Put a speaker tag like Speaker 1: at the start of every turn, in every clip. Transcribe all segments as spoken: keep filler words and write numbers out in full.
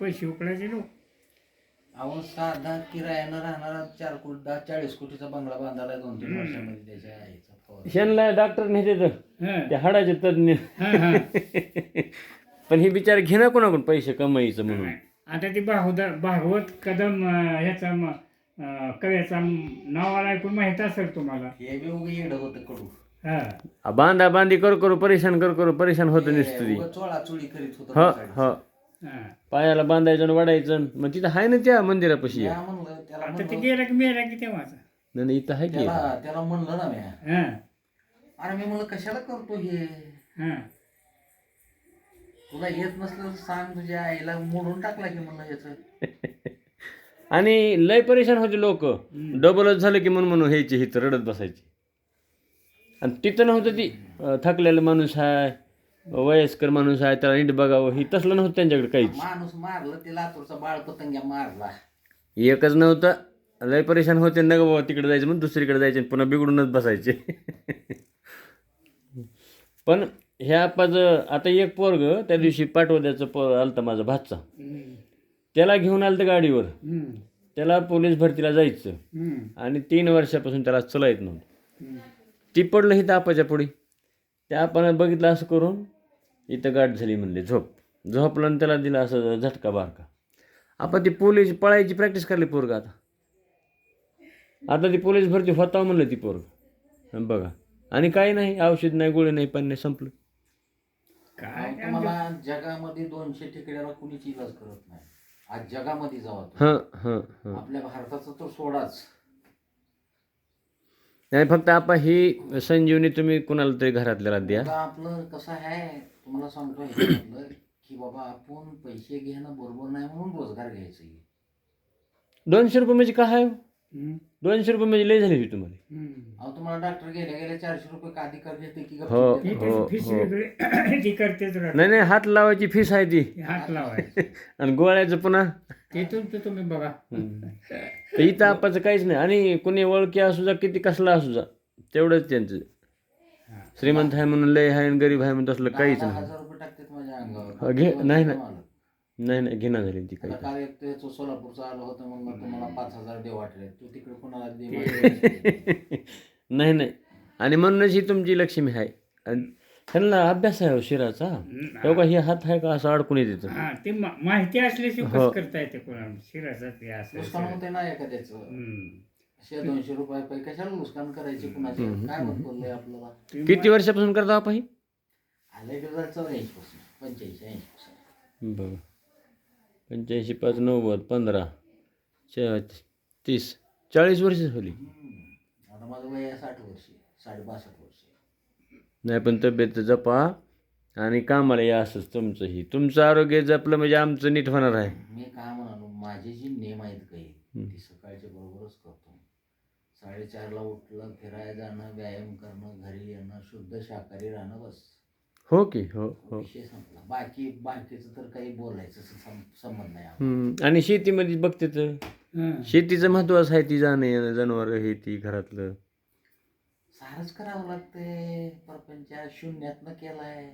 Speaker 1: पैसे उकळायचे लोक.
Speaker 2: अहो साधा किरायानं राहणारा चार कोटी दहा चाळीस कोटीचा बंगला बांधायला दोन तीन वर्षामध्ये त्याच्या आईचा फौज.
Speaker 3: ह्यांना डॉक्टर नेते तर
Speaker 1: हां
Speaker 3: ते हाडाचे तज्ञ.
Speaker 1: हां हां.
Speaker 3: पण हे बिचारे घेणार कोणाकडून पैसे कमाईचं म्हणून.
Speaker 1: आता ती भागवत भागवत कदम अं, ह्याचा म- अं, कव्याचा नावाला ऐकून माहित असेल तुम्हाला.
Speaker 2: हे बी उगं येडं होतं कडू.
Speaker 1: हा
Speaker 3: बांधा बांधी कर करू परेशान कर करू परेशान होतं नुसतं ती.
Speaker 2: उगं चोळाचोळी करीत होतं
Speaker 3: ह
Speaker 2: बसायचं.
Speaker 3: ह
Speaker 1: हा.
Speaker 3: पायाला बांधायचं आणि वाढायचं मग तिथं आहे ना त्या मंदिरापाशी.
Speaker 2: म्या म्हणलं त्याला
Speaker 1: आता ते
Speaker 2: म्हणलं
Speaker 1: गेला की मेला की तेव्हाच.
Speaker 3: नाही नाही, इथं आहे की.
Speaker 2: त्याला त्याला म्हणलं ना म्या
Speaker 1: हा
Speaker 2: अरे मी म्हणलं कशाला करतो हे
Speaker 1: हा.
Speaker 2: तुला येत नसलं तर सांग तुझ्या आईला मोडून टाकला की म्हणलं याचं.
Speaker 3: आणि लय परेशान होते लोक. डबलच झालं की म्हणून म्हणून ह्याची हिथं रडत बसायची. आणि तिथं नव्हतं ती अं, थकलेला माणूस आहे वयस्कर माणूस आहे त्याला नीट बघावं ही तसलं नव्हतं त्यांच्याकडे काहीच.
Speaker 2: माणूस मारलं ते लातूरचा बाळ पतंग्या मारला.
Speaker 3: एकच नव्हतं लय परेशान होते ना ग बाबा तिकडे जायचं म्हणून दुसरीकडे जायचे आणि पुन्हा बिघडूनच बसायचे. पण ह्या पाच आता एक पोरग त्या दिवशी पाठवद्याचं प आलता माझा भातचा
Speaker 1: हम्म.
Speaker 3: त्याला घेऊन आलं तर गाडीवर.
Speaker 1: हम्म.
Speaker 3: त्याला पोलीस भरतीला जायचं
Speaker 1: हम्म.
Speaker 3: आणि तीन वर्षापासून त्याला चला येत नव्हतं.
Speaker 1: हम्म.
Speaker 3: ती पडलं इथं आपाच्या पुढे त्या आपण बघितलं असं करून इथं गाठ झाली म्हणले झोप झोपलं आणि त्याला दिला असं झटका बारका. आपण ती पोलीस पळायची प्रॅक्टिस करली पोरग आता आता ती पोलीस भरती होता म्हणलं ती पोरग बघा. आणि काही नाही औषध नाही गोळी नाही पण नाही संपलं.
Speaker 1: काय
Speaker 2: अहो, तुम्हाला जगामध्ये दोनशे ठिकड्याला कुणीच इलाज करत नाही. आज जगामध्ये जावा तुम्ही.
Speaker 3: हां हां हां
Speaker 2: आपल्या भारताचं तर सोडाच.
Speaker 3: नाही फक्त आपण ही संजीवनी तुम्ही कुणाला तरी घरातल्याला द्या.
Speaker 2: आता आपलं कसं आहे तुम्हाला सांगतो ह्याच्यामधलं की बाबा आपण पैसे घेणं बरोबर नाही म्हणून रोजगार घ्यायचा.
Speaker 3: दोनशे रुपये म्हणजे काय आहे?
Speaker 1: हम्म.
Speaker 3: दोनशे रुपये म्हणजे लय झाली होती तुम्हाला.
Speaker 1: हम्म.
Speaker 2: अहो तुम्हाला डॉक्टर गेल्या गेल्या चारशे रुपये का अधिकार घेते की
Speaker 3: हो.
Speaker 2: गप्प
Speaker 1: ती
Speaker 2: देते?
Speaker 3: हो,
Speaker 1: त्याची फीस
Speaker 3: हो.
Speaker 1: वेगळी ती करतेच राहते.
Speaker 3: नाही नाही हात लावायची फीस आहे ती
Speaker 1: हात लावायचे
Speaker 3: आणि गोळ्याचं पुन्हा.
Speaker 1: ते तुमचं तुम्ही बघा.
Speaker 3: तर इथं आपाचं काहीच नाही. आणि कुणी ओळखी असू जा किती कसला असू जा तेवढंच त्यांचं. श्रीमंत आहे म्हणून लय आहे आणि गरीब आहे म्हणून तसलं काहीच
Speaker 2: दहा
Speaker 3: नाही.
Speaker 2: हजार रुपये टाकतात माझ्या
Speaker 3: हा,
Speaker 2: अंगावर.
Speaker 3: घे नाही
Speaker 2: मला.
Speaker 3: नाही नाही नाही घेणं झाली ती काही.
Speaker 2: आता काल एक ते सोलापूरचं आलं होतं म्हणलं तुम्हाला पाच हजार दे वाटले तू तिकडे कोणाला दे माझ्याकडे.
Speaker 3: नाही नाही आणि म्हणूनच ही तुमची लक्ष्मी आहे. आणि ह्यांना अभ्यास आहे हो शिराचा. तेव्हा हे हात आहे का असं अडकून येते.
Speaker 1: हा ते मा- माहिती असल्याशिवाय
Speaker 3: हो.
Speaker 1: कसं करता येते कोणाला शिराचं ते असं
Speaker 2: नुकसान होते ना एखाद्याचं.
Speaker 1: हम्म.
Speaker 2: शे दोनशे रुपये पैकी कशाला नुकसान करायचे कुणाचे काय होत बोललंय आपल्याला.
Speaker 3: किती वर्षापासून करता आपण ही?
Speaker 2: आले गेलं चौऱ्याऐंशी पासून पंच्याऐंशी ऐंशी पासून.
Speaker 3: बघा पंच्याऐंशी पाच नव्वद पंधरा चा तीस चाळीस वर्ष झाली.
Speaker 2: आता माझं वय आहे साठ वर्ष साडे बासष्ट वर्ष.
Speaker 3: नाही पण तब्येत जपा आणि कामाला या असंच तुमचं ही तुमचं आरोग्य जपलं म्हणजे आमचं नीट होणार आहे.
Speaker 2: मी काय म्हणालो माझे जे नेम आहेत काही ती सकाळच्या बरोबरच करतो. साडेचारला उठलं फिरायला जाणं व्यायाम करणं घरी येणं शुद्ध शाकाहारी राहणं बस
Speaker 3: हो की हो हो.
Speaker 2: विषय संपला. बाकी बाकीचं तर काही बोलायचं सं- संबंध नाही.
Speaker 3: हम्म. आणि शेतीमध्ये बघते तर
Speaker 1: हा.
Speaker 3: शेतीचं महत्त्वाचं आहे ती जाणं येणं जनावर हे ती घरातलं.
Speaker 2: सारच करावं लागतंय प्रपंच शून्यातनं केलाय.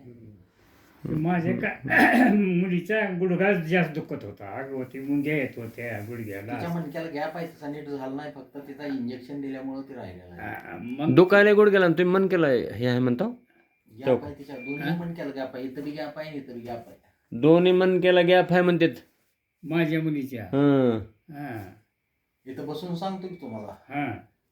Speaker 1: माझ्या का मुलीचा गुडघा जास्त दुखत होता. अगवती मुंग्या येत होत्या गुडघ्याला.
Speaker 2: तिच्या मणक्याला गॅप आहे तसा नीट झाला नाही फक्त तिचा इंजेक्शन दिल्यामुळे ती राहिलेला आहे.
Speaker 1: हा, मग
Speaker 3: दुखायला गोड गेला तुम्ही मन केला हे आहे म्हणता.
Speaker 2: गॅप आहे तिच्या दोन्ही मणक्याला गॅप आहे. इथं बी गॅप आहे इथं बी गॅप आहे.
Speaker 3: दोन्ही मन केला गॅप आहे म्हणतात.
Speaker 1: माझ्या मुलीच्या
Speaker 3: हं.
Speaker 1: हा
Speaker 2: इथं बसून सांगतो की तुम्हाला
Speaker 1: हा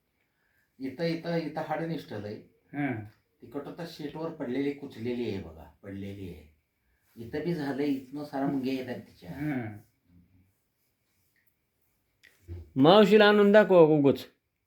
Speaker 2: इथं इथं इथं हाड निष्ठलंय.
Speaker 1: हा.
Speaker 2: तिकडं तर शीटवर पडलेली कुचलेली आहे बघा पडलेली आहे. इथं बी झालंय इथनं सारा मुंग्या येतात तिच्या.
Speaker 1: हा.
Speaker 3: मावशीला आणून दाखवा उगच.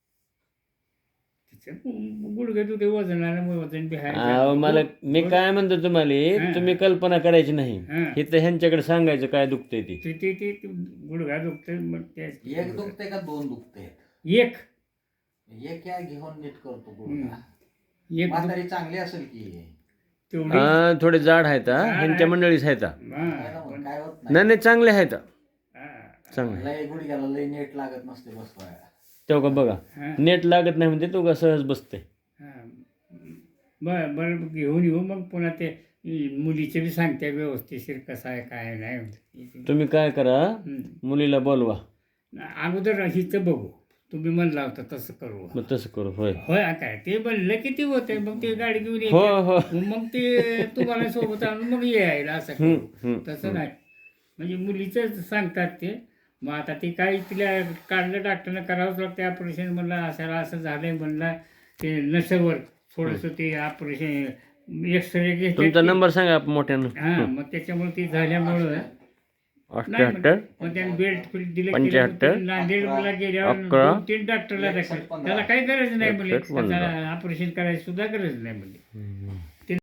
Speaker 1: तिचं गुडघे दुखे वजनामुळे वजन बी आहे.
Speaker 3: अहो, मला मी काय म्हणतो तुम्हाला तुम्ही कल्पना करायची नाही.
Speaker 1: हा.
Speaker 3: हे तर ह्यांच्याकडे सांगायचं काय दुखतंय ती.
Speaker 1: ते ते ते ते गुडघा दुखते मग ते
Speaker 2: एक दुखते का दोन दुखते.
Speaker 1: एक
Speaker 2: एक या घेऊन नीट करतो गुडघा.
Speaker 1: एक
Speaker 2: म्हातारी चांगली असेल की
Speaker 1: तेवढी
Speaker 3: हा, थोडे जाड आहेत हा. ह्यांच्या मंडळीच आहेत हा.
Speaker 1: हा.
Speaker 2: काय ना मग काय होत
Speaker 3: नाही
Speaker 2: नाही.
Speaker 3: नाही चांगले आहेत हा.
Speaker 1: हा.
Speaker 3: चांगले
Speaker 2: लय गुडघ्याला लय नेट लागत नसते बसवाय.
Speaker 3: तेव्हा का बघा
Speaker 1: हा.
Speaker 3: नेट लागत नाही म्हणजे तो का सहज बसते.
Speaker 1: हा. बरं बरं घेऊन येऊ मग पुन्हा ते मुलीचे बी सांगते व्यवस्थिशीर कसं आहे काय नाही.
Speaker 3: तुम्ही काय करा,
Speaker 1: हं.
Speaker 3: मुलीला बोलवा.
Speaker 1: अगोदर हिचं बघू, तुम्ही म्हणला होता तसं करू.
Speaker 3: मग तसं करू. होय
Speaker 1: होय काय ते म्हणलं किती होते, मग ते गाडी घेऊन
Speaker 3: हो
Speaker 1: यायची.
Speaker 3: हो.
Speaker 1: मग ते तुम्हाला सोबत आणून मग यायला असं
Speaker 3: हं,
Speaker 1: करू.
Speaker 3: हं,
Speaker 1: तसं नाही म्हणजे मुलीचं सांगतात ते. मग आता ते काही तिला काढलं डॉक्टरनं करावंच लागतं ऑपरेशन. म्हणलं असं असं झालंय म्हणलं ते नसेवर थोडंसं ते ऑपरेशन एक्सरे घेतले.
Speaker 3: तुमचा नंबर सांगा मोठ्यानं.
Speaker 1: हां मग त्याच्यामुळे ते झाल्यामुळं
Speaker 3: अठ्ठ्याहत्तर
Speaker 1: मग त्याने बेल्ट दिलं.
Speaker 3: पंच्याहत्तर
Speaker 1: नांदेडला गेल्यावर
Speaker 3: अकरा
Speaker 1: दोन तीन डॉक्टरला दाखल. त्याला काही गरज नाही म्हणजे
Speaker 3: एकसष्ट पंधरा.
Speaker 1: ऑपरेशन करायची सुद्धा गरज नाही म्हणजे.
Speaker 3: हं.